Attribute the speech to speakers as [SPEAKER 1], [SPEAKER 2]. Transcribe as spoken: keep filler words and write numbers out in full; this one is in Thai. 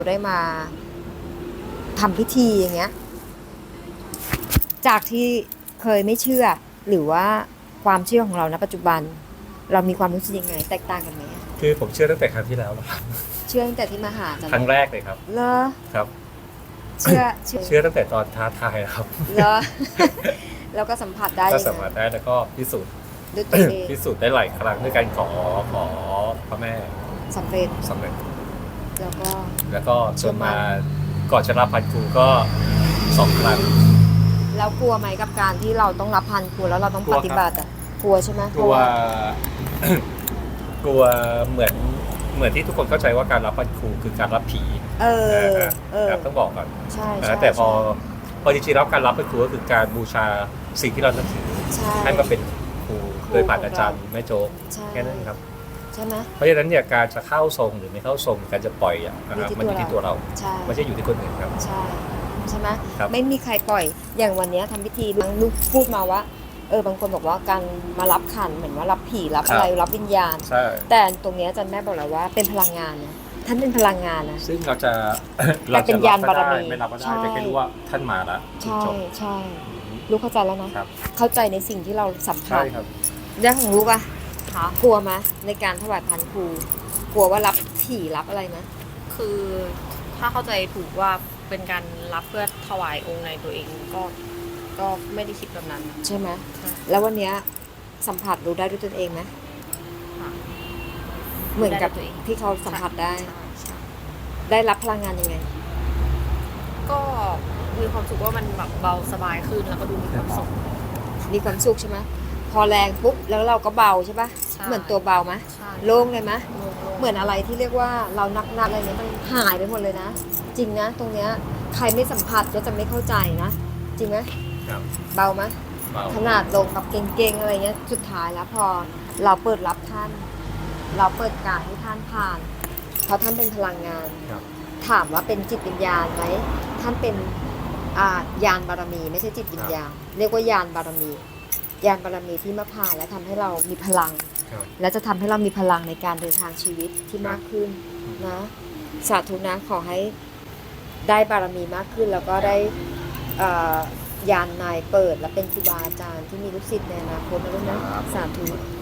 [SPEAKER 1] ได้มาทำพิธีอย่างเงี้ยจากที่เคยไม่เชื่อหรือว่าความเชื่อของเราณปัจจุบันเรามีความรู้สึกยังไงแตกต่างกันไหม
[SPEAKER 2] คือผมเชื่อตั้งแต่ครั้งที่แล้วแล้วครับ
[SPEAKER 1] เชื่อตั้งแต่ที่มาหาจัน
[SPEAKER 2] ครั้งแรกเลยครับ
[SPEAKER 1] เหรอ
[SPEAKER 2] ครับ
[SPEAKER 1] เชื่อเชื่อ
[SPEAKER 2] เชื่อตั้งแต่ตอนท้าทายแล้วครับ
[SPEAKER 1] เหรอ แล้วก็สัมผัสได้
[SPEAKER 2] ก็
[SPEAKER 1] ยัง
[SPEAKER 2] สามารถ
[SPEAKER 1] ไง
[SPEAKER 2] ได้แล้วก็พิสูจน์
[SPEAKER 1] ด้วยตัวเอง
[SPEAKER 2] พิสูจน์ได้หลายครั้งด้วยการขอขอพระแม่
[SPEAKER 1] สำเร็จ
[SPEAKER 2] สำเร็จ
[SPEAKER 1] แล้วก็
[SPEAKER 2] แล้วก็จนมาก่อนจะรับพันครูก็สองครั้ง
[SPEAKER 1] แล้วกลัวไหมกับการที่เราต้องรับพันครูแล้วเราต้อง
[SPEAKER 2] กลั
[SPEAKER 1] ป
[SPEAKER 2] วครับ
[SPEAKER 1] ฏิบัติอ่ะกลัวใช่ไหม
[SPEAKER 2] กลัว กลัวเหมือนเหมือนที่ทุกคนเข้าใจว่าการรับพันครูคือการรับผี
[SPEAKER 1] เออเออ
[SPEAKER 2] ครับต้องบอกก่อน
[SPEAKER 1] ใช่
[SPEAKER 2] นะ
[SPEAKER 1] ใช่
[SPEAKER 2] แต่พอ
[SPEAKER 1] ใช่
[SPEAKER 2] พอจริงๆแล้วการรับพันครูก็คือการบูชาสิ่งที่เรานับถือ
[SPEAKER 1] ใช่
[SPEAKER 2] ให้มาเป็นครู
[SPEAKER 1] ครู
[SPEAKER 2] โดยผ่านอาจารย์
[SPEAKER 1] ของเรา
[SPEAKER 2] แม่โจ๊ก
[SPEAKER 1] ใช่
[SPEAKER 2] แค่นั้นเองครับ
[SPEAKER 1] ใช่ไหม
[SPEAKER 2] เพราะฉะนั้นเนี่ยการจะเข้าทรงหรือไม่เข้าทรงการจะปล่อยอ่ะนะครับ
[SPEAKER 1] อยู่ที่
[SPEAKER 2] มันอยู่ที่ตัวเรา
[SPEAKER 1] ใช่
[SPEAKER 2] ไม่ใช่อยู่ที่คนอื่นครับ
[SPEAKER 1] ใช่ใช่ไหม
[SPEAKER 2] ครับ
[SPEAKER 1] ไม่มีใครปล่อยอย่างวันเนี้ยทำพิธีบางลูกพูดมาว่าเออบางคนบอกว่าการมารับขันเหมือนว่ารับผีรับอะไรรับวิญญาณ
[SPEAKER 2] ใช่
[SPEAKER 1] แต่ตรงเนี้ยอาจารย์แม่บอกแล้วว่าเป็นพลังงานนะท่านเป็นพลังงานนะ
[SPEAKER 2] ซึ่งเราจะ
[SPEAKER 1] แต่เป็นยานบารมี
[SPEAKER 2] ไม่รับก็ได้
[SPEAKER 1] ใช่
[SPEAKER 2] แต่แค่รู้ว่าท่านมาแล้ว
[SPEAKER 1] ใช่
[SPEAKER 2] จบ
[SPEAKER 1] ใช่ลูกเข้าใจแล้วนะครับ เข้าใจในสิ่งที่เราสัมผั
[SPEAKER 2] ใช่
[SPEAKER 1] ส
[SPEAKER 2] ครับ
[SPEAKER 1] เรื่องของลูกอะ
[SPEAKER 3] ค่ะ
[SPEAKER 1] กลัวไหมในการถวายพันครูกลัวว่ารับผีรับอะไรนะ
[SPEAKER 3] คือถ้าเข้าใจถูกว่าเป็นการรับเพื่อถวายองค์ในตัวเองก็ก็ไม่ได้คิดแบบนั้น
[SPEAKER 1] ใช่ไหม
[SPEAKER 3] ใช่
[SPEAKER 1] แล้ววันเนี้ยสัมผัสรู้ได้ด้วยตนเองไหม
[SPEAKER 3] ค่ะ
[SPEAKER 1] เหมือนกับ
[SPEAKER 3] รู้ได้ด้วยตัวเอง
[SPEAKER 1] ที่เขาสัมผัสได้
[SPEAKER 3] ใช่ใช่
[SPEAKER 1] ได้รับพลังงานยังไง
[SPEAKER 3] ก็มีความสุขว่ามันแบบเบาสบายขึ้นแล้วก็ดูมีความสุข
[SPEAKER 1] มีความสุขใช่ไหมพอแรงปุ๊บแล้วเราก็เบาใช่ปะ
[SPEAKER 3] ใช่
[SPEAKER 1] เหมือนตัวเบาไหม
[SPEAKER 3] ใช่
[SPEAKER 1] โล่งเลยไหม
[SPEAKER 3] โล่งๆ
[SPEAKER 1] เหมือนอะไรที่เรียกว่าเรานักนักอะไรเนี้ยมันหายไปหมดเลยนะ จริงนะ ตรงเนี้ยใครไม่สัมผัสก็จะไม่เข้าใจนะ จริงไหม
[SPEAKER 2] ครับ
[SPEAKER 1] เบาไหม
[SPEAKER 2] เบา
[SPEAKER 1] ขนาดลงกับเก่งๆอะไรเงี้ยสุดท้ายแล้วพอเราเปิดรับท่าน เราเปิดการให้ท่านผ่านเพราะท่านเป็นพลังงาน
[SPEAKER 2] ครับ
[SPEAKER 1] ถามว่าเป็นจิตวิญญาณไหมท่านเป็นอ่ายานบารมี ไม่ใช่จิตวิญญาณ เรียกว่ายานบารมี ยานบารมีที่มาผ่านและทำให้เรามีพลัง
[SPEAKER 2] ครับ
[SPEAKER 1] และจะทำให้เรามีพลังในการเดินทางชีวิตที่มากขึ้นนะสาธุนะขอให้ได้บารมีมากขึ้น แล้วก็ได้เอ่อยานนายเปิดและเป็นครูบาอาจารย์ที่มีลูกศิษย์ในอนาคตนะลูกนะสาธุ